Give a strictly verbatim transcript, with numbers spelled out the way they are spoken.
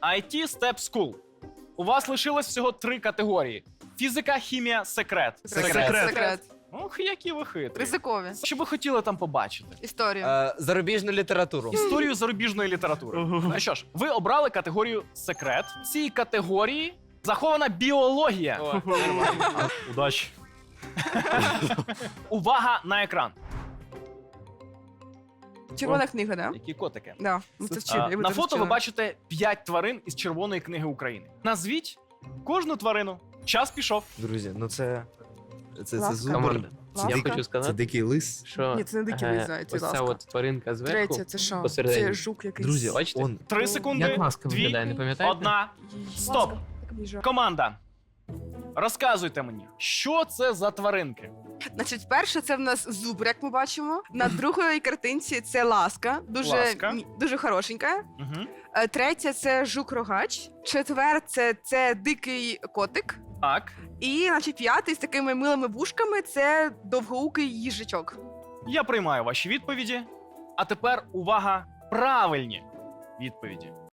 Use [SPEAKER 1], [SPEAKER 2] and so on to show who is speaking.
[SPEAKER 1] ай ті Step School. У вас лишилось всього три категорії: фізика, хімія, секрет.
[SPEAKER 2] Секрет.
[SPEAKER 3] Секрет.
[SPEAKER 1] Ох, які ви хитрі.
[SPEAKER 3] Ризикові.
[SPEAKER 1] Що ви хотіли там побачити?
[SPEAKER 3] Історію.
[SPEAKER 2] Е, зарубіжну літературу.
[SPEAKER 1] Історію зарубіжної літератури. Ну що ж, ви обрали категорію секрет. В цій категорії захована біологія. Удачі. Увага на екран.
[SPEAKER 3] Червона книга, да?
[SPEAKER 1] Які котики.
[SPEAKER 3] Да. Ми це вчили.
[SPEAKER 1] А,
[SPEAKER 3] ми
[SPEAKER 1] на
[SPEAKER 3] це
[SPEAKER 1] фото ви
[SPEAKER 3] вчили.
[SPEAKER 1] бачите п'ять тварин із Червоної книги України. Назвіть кожну тварину. Час пішов.
[SPEAKER 2] Друзі, ну це... Це, це
[SPEAKER 3] Ласка.
[SPEAKER 2] зубр.
[SPEAKER 4] Камон,
[SPEAKER 2] Це,
[SPEAKER 3] Ласка.
[SPEAKER 4] я
[SPEAKER 2] дикий,
[SPEAKER 4] хочу
[SPEAKER 2] це
[SPEAKER 4] сказати,
[SPEAKER 2] дикий лис.
[SPEAKER 4] що
[SPEAKER 3] Ні, це не дикий
[SPEAKER 4] е,
[SPEAKER 3] лис, зайці,
[SPEAKER 4] ось ця
[SPEAKER 3] ласка.
[SPEAKER 4] от тваринка зверху.
[SPEAKER 3] Третє, це що?
[SPEAKER 4] посередині.
[SPEAKER 3] Це жук якийсь.
[SPEAKER 2] Друзі,
[SPEAKER 4] Бачите?
[SPEAKER 2] он...
[SPEAKER 1] Три секунди.
[SPEAKER 4] Як ласка
[SPEAKER 1] Дві.
[SPEAKER 4] виглядає, не пам'ятаєте?
[SPEAKER 1] Одна. Стоп. Команда. Розказуйте мені, що це за тваринки?
[SPEAKER 3] Значить, перше це в нас зубр, як ми бачимо. На другій картинці це ласка, дуже,
[SPEAKER 1] Ласка.
[SPEAKER 3] мі- дуже хорошенька.
[SPEAKER 1] Угу.
[SPEAKER 3] Е, Третє це жук-рогач. Четверте це дикий котик.
[SPEAKER 1] Так.
[SPEAKER 3] І, значить, п'ятий з такими милими вушками це довгоукий їжачок.
[SPEAKER 1] Я приймаю ваші відповіді. А тепер увага, правильні відповіді.